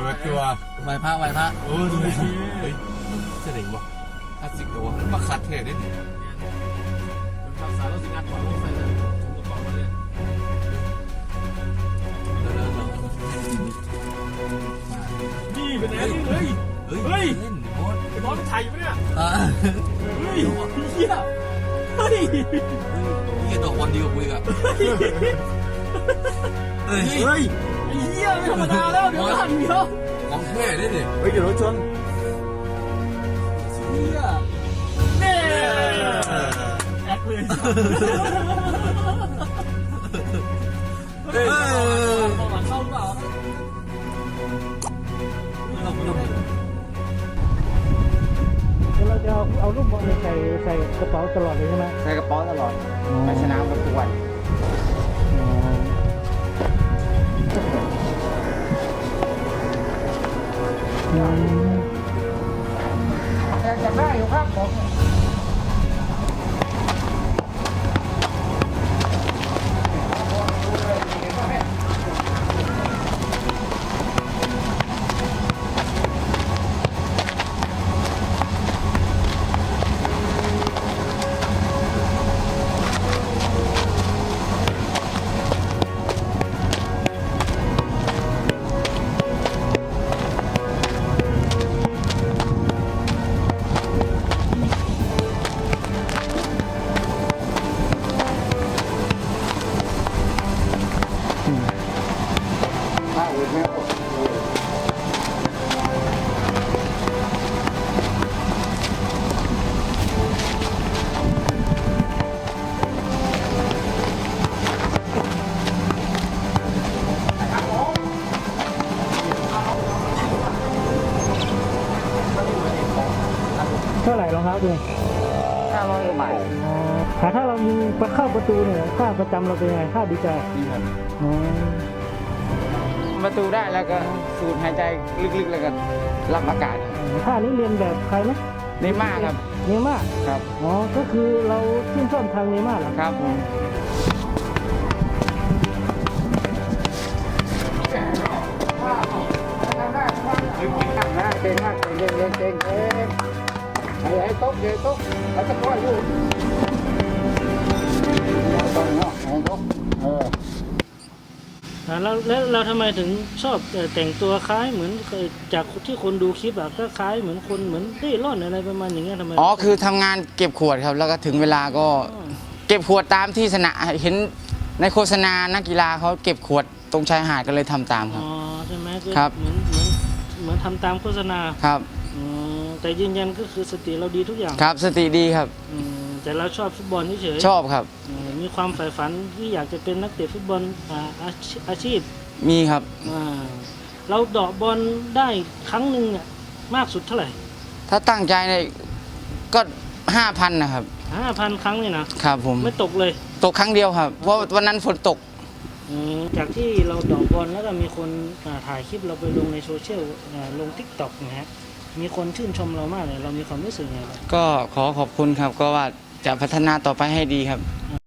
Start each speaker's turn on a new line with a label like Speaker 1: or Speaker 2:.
Speaker 1: ตัว
Speaker 2: ไหวพระ
Speaker 1: ดูดิเฮ้ยเจ๋งว่ะคลาสสิกตัวมาคัดเทได้ดิ
Speaker 3: รักษาแล้วสิงานก่อนไม่ใส่เลยผมกระเป๋ามาเลยนี่เป็นไงนี่เลยเฮ้ย
Speaker 2: เล่นโคตร
Speaker 3: ไอ้บอลถ่ายอยู่ปะเนี่ย
Speaker 2: อ่า
Speaker 3: เฮ้ยเฮียเฮ้ย
Speaker 2: นี่ตัวบอลดีกว่ากูอีกอ่ะเฮ้ย
Speaker 3: เฮ้ยไอ้เฮียไม่ธรรมดาแล้วเดี๋ยวหันเดียว
Speaker 1: ของแท้ได้ดิ
Speaker 3: เฮ้ยเดี๋ยวรถชนเฮียเน่แอคเลย
Speaker 2: เฮ้ย
Speaker 3: เอาหลังเข้าเปล่า
Speaker 4: เราจะเอาลูกบอลใส่กระเป๋าตลอดเลยใช่ไหม
Speaker 5: ใส่กระเป๋าตลอดไปสนามกับทุกวันอยากได้อยู่ครับผม
Speaker 4: เท่าไหร่รองเท้าดู
Speaker 5: 500 กว่าบาท
Speaker 4: ถ้าเรายิงเข้าประตูเนี่ยค่าประจำเราเป็นไงค่าดีใจ
Speaker 5: นี่ครับ
Speaker 4: อ๋อ
Speaker 5: ประตูได้แล้วก็สูดหายใจลึกๆแล้วก็รับอากาศ
Speaker 4: ท่านี้เรียนแบบใครไหม
Speaker 5: เนม่าครับ
Speaker 4: เนม่า
Speaker 5: ครับ
Speaker 4: อ๋อก็คือเราชื่นชอบทางเนม่าเหรอ
Speaker 5: ครับผมเก่งมากเก่งให้ตกแล้วจะก้อยลูกต้องเนาะให้ตก
Speaker 4: แล้วเราทำไมถึงชอบแต่งตัวคล้ายเหมือนจากที่คนดูคลิปอะก็คล้ายเหมือนคนเหมือนเร่ร่อนอะไรประมาณอย่างเงี้ยทำไม
Speaker 5: อ๋อคือทำงานเก็บขวดครับแล้วก็ถึงเวลาก็เก็บขวดตามที่สนามเห็นในโฆษณานักกีฬาเขาเก็บขวดตรงชายหาดก็เลยทำตามครับ
Speaker 4: อ๋อใช่ไหม
Speaker 5: ครับ
Speaker 4: เหมือนทำตามโฆษณา
Speaker 5: ครับ
Speaker 4: แต่ยืนยันก็คือสติเราดีทุกอย่าง
Speaker 5: ครับสติดีครับ
Speaker 4: แต่เราชอบฟุตบอลเฉย
Speaker 5: ชอบครับ
Speaker 4: มีความใฝ่ฝันที่อยากจะเป็นนักเตะฟุตบอลอาชีพ
Speaker 5: มีครับ
Speaker 4: เราเดาะบอลได้ครั้งหนึ่งเนี่ยมากสุดเท่าไหร่
Speaker 5: ถ้าตั้งใจเนี่ยก็ 5,000 นะครับ
Speaker 4: 5,000 ครั้งเลยนะครับ
Speaker 5: ผม
Speaker 4: ไม่ตกเลย
Speaker 5: ตกครั้งเดียวครับ เพราะวันนั้นฝนตก
Speaker 4: จากที่เราเดาะบอลแล้วก็มีคนถ่ายคลิปเราไปลงในโซเชียลลง TikTok นะฮะมีคนชื่นชมเรามากเลยเรามีความรู้สึกไงบ้าง
Speaker 5: ก็ขอขอบคุณครับ ก็ว่าจะพัฒนาต่อไปให้ดีครับ
Speaker 4: อ่